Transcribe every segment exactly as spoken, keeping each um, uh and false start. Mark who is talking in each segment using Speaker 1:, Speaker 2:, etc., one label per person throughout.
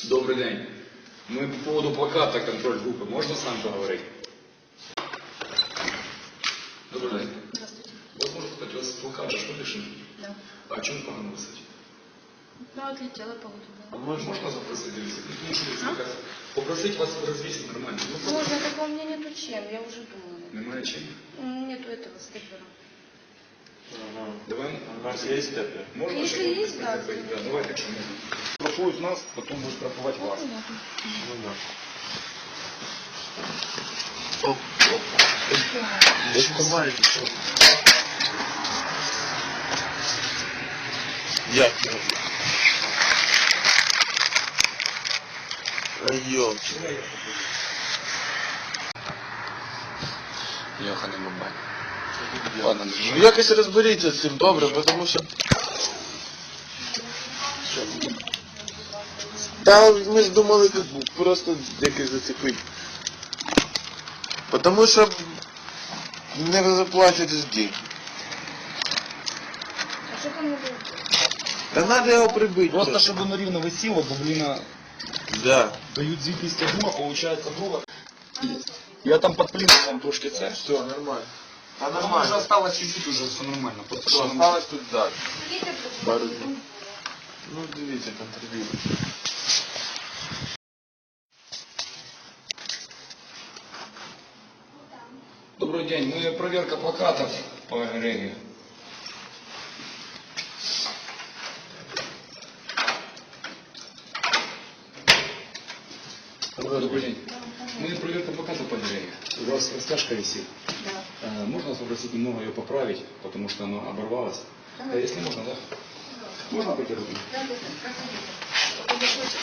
Speaker 1: Добрый день. Мы по поводу плаката контроль группы. Можно с нами поговорить? Добрый день.
Speaker 2: Здравствуйте.
Speaker 1: Вот может быть, у вас плакат же, что пишем?
Speaker 2: Да.
Speaker 1: А о чем погано писать?
Speaker 2: Ну, отлетела погода.
Speaker 1: А можно, можно запросить? А? Попросить вас развесить нормально. Ну,
Speaker 2: Можно, только у меня нету чем, я уже думала.
Speaker 1: Немає чим?
Speaker 2: Нету этого степлера.
Speaker 1: Ага. Давай.
Speaker 3: У нас есть степлер?
Speaker 1: Можно?
Speaker 2: Если
Speaker 1: чтобы-
Speaker 2: есть, да.
Speaker 1: Да, давай так, что можно. Страхуют нас, потом будут страховать вас.
Speaker 2: Понятно.
Speaker 3: Ну да.
Speaker 1: Да что
Speaker 3: Я. Йо.
Speaker 1: Йоханий бабай.
Speaker 3: Ладно, ну якось розберіться з цим добре, тому що... Та ми ж думали тут просто якось зацепити. Тому що не заплатять ж деньги.
Speaker 2: А что там надо?
Speaker 3: Та треба його прибити.
Speaker 1: Просто чтобы оно рівно висіло, бо, блин,
Speaker 3: Да.
Speaker 1: дають звітність друга, получается друга. Я там под плином, там трошки це.
Speaker 3: Все, нормально. А
Speaker 1: Там уже
Speaker 3: нормально.
Speaker 1: осталось чуть-чуть, уже все нормально. Просто
Speaker 3: Все,
Speaker 1: що нам-
Speaker 3: осталось тут далі.
Speaker 2: Какие-то
Speaker 3: Пару днів. Ну, дивіться, контролюйте.
Speaker 1: Добрый день, мы проверка плакатов по Регі. Добрый день. Мы проверка плакатов по Регі. У вас растяжка висит.
Speaker 2: Да.
Speaker 1: Э, Можно вас попросить немного ее поправить, потому что она оборвалась?
Speaker 2: Давай.
Speaker 1: Э, Если можно, да? Можно пойти руку?
Speaker 2: Да, да, да. Проходите.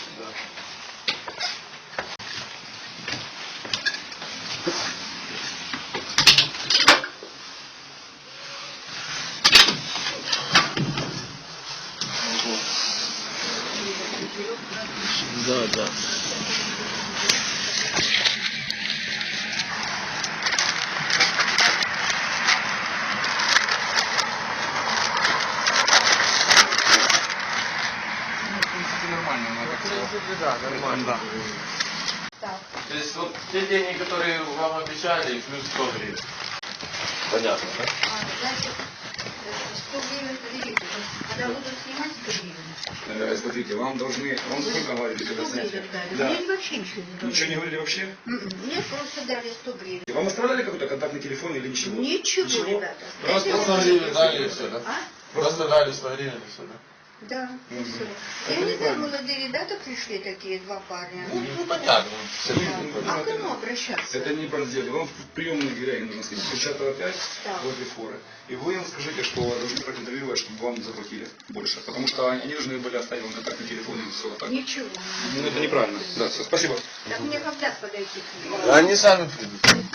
Speaker 3: Да, да.
Speaker 1: Ну, в принципе, нормально. Она так всё-
Speaker 3: Да, нормально.
Speaker 1: Да.
Speaker 2: Так.
Speaker 3: То есть вот те деньги, которые вам обещали, плюс сто гривен. Понятно, да?
Speaker 2: А, значит, э, сто гривен подивитесь. Когда будут снимать сто гривен.
Speaker 1: Э, Смотрите, вам должны, вам сколько говорили, когда
Speaker 2: сто
Speaker 1: снятие?
Speaker 2: гривен дали.
Speaker 1: Да.
Speaker 2: Мне вообще ничего не говорили.
Speaker 1: Ничего не говорили вообще?
Speaker 2: М-м. Мне просто дали сто гривен.
Speaker 1: Вам оставляли какой-то контактный телефон или ничего?
Speaker 2: Ничего, ребята.
Speaker 3: Просто
Speaker 2: Это
Speaker 3: сто
Speaker 2: вот-
Speaker 3: гривен дали и все, да?
Speaker 2: А?
Speaker 3: Просто дали сто гривен и все, да?
Speaker 2: Да, и все. Я не знаю, молодые ребята пришли такие, два парня.
Speaker 3: Ну, ну понятно. Все
Speaker 2: А к кому обращаться?
Speaker 1: Это не правда. Вам в приемную дверей нужно сходить. Крещатого опять
Speaker 2: Да.
Speaker 1: возле форы. И вы им скажите, что должны проконтролировать, чтобы вам не заплатили больше. Потому что они должны были оставить вам контактный телефон и все вот так.
Speaker 2: Ничего.
Speaker 1: Ну это неправильно. Да, все, спасибо.
Speaker 2: Так мне когда подойти к ним?
Speaker 3: Они сами придут.